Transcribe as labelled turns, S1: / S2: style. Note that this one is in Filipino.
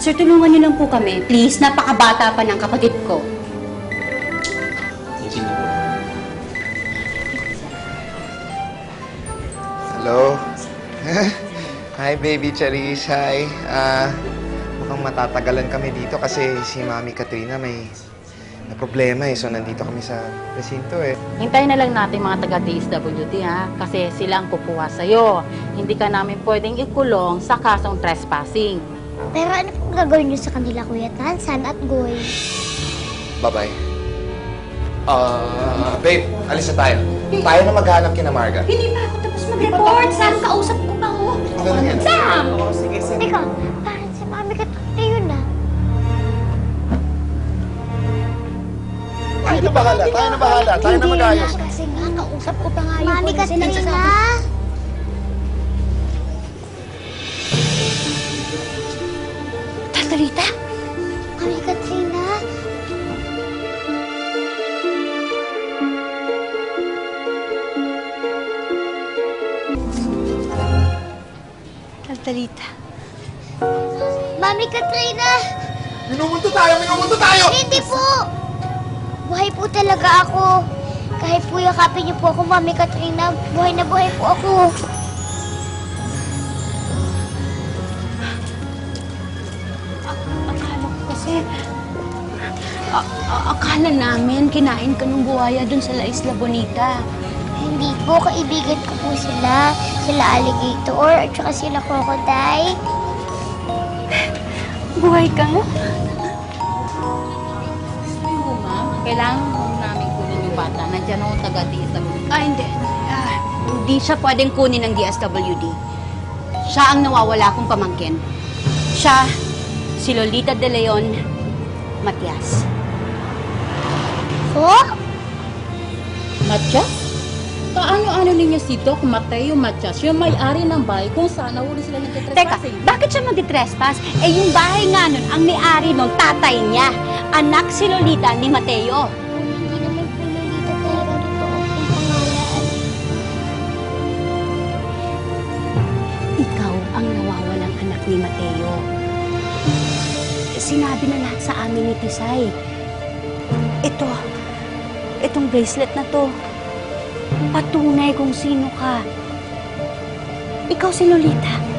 S1: Sir, tulungan niyo lang po kami. Please, napakabata pa ng kapatid ko.
S2: Sino po?
S3: Hello? Hi, baby Charis. Hi. Mukhang matatagalan kami dito kasi si Mami Katrina may problema eh. So, nandito kami sa presinto eh.
S4: Hintayin na lang natin mga taga-DSWD ha, kasi sila ang kukuha sa'yo. Hindi ka namin pwedeng ikulong sa kasong trespassing.
S5: Pero ano pong gagawin niyo sa kanila, Kuya Tansan at Goy?
S3: Bye-bye. Babe, alis na tayo. Tayo na maghanap kina Marga.
S1: Hindi pa ako tapos mag-report. Sam, kausap ko pa ho.
S3: Ano na yan?
S1: Sam!
S5: Teka, parang si Mami Katrina yun ah.
S3: Tayo na bahala. Tayo na bahala. Tayo na mag-ayos.
S5: Kasi nga, kausap ko pa nga yun. Mami Katrina!
S1: Tatalita?
S5: Mami Katrina?
S1: Tatalita.
S5: Mami Katrina!
S3: Minumunto tayo! Minumunto tayo!
S5: Hindi po! Buhay po talaga ako. Kahit po yakapin niyo po ako, Mami Katrina, buhay na buhay po ako.
S1: Akala ko kasi... akala namin kinain ka ng buhaya dun sa La Isla Bonita.
S5: Hindi po, kaibigan ko po sila. Sila alligator at saka sila crocodile.
S1: Buhay ka mo?
S4: Sabi mo, ma'am, kailangan mo namin kunin yung bata. Nandiyan ako taga-DSWD.
S1: Hindi. Hindi siya pwedeng kunin ng DSWD. Siya ang nawawala kong pamangkin. Siya, si Lolita De Leon Matias.
S5: Oh?
S4: Matias? Kaano-ano ninyo si Doc Mateo Matias, yung may-ari ng bahay kung saan nahuli sila ng
S1: Teka,
S4: trespassing?
S1: bakit siya mag-trespass? Eh, yung bahay nga nun, ang may-ari nun, tatay niya. Anak si Lolita ni Mateo.
S5: Hindi naman po Lolita talaga totoo ang pangalan.
S1: Ikaw ang nawawalang anak ni Mateo. Sinabi na lahat sa amin ni Tisay. Itong bracelet na to, patunay kung sino ka. Ikaw si Lolita.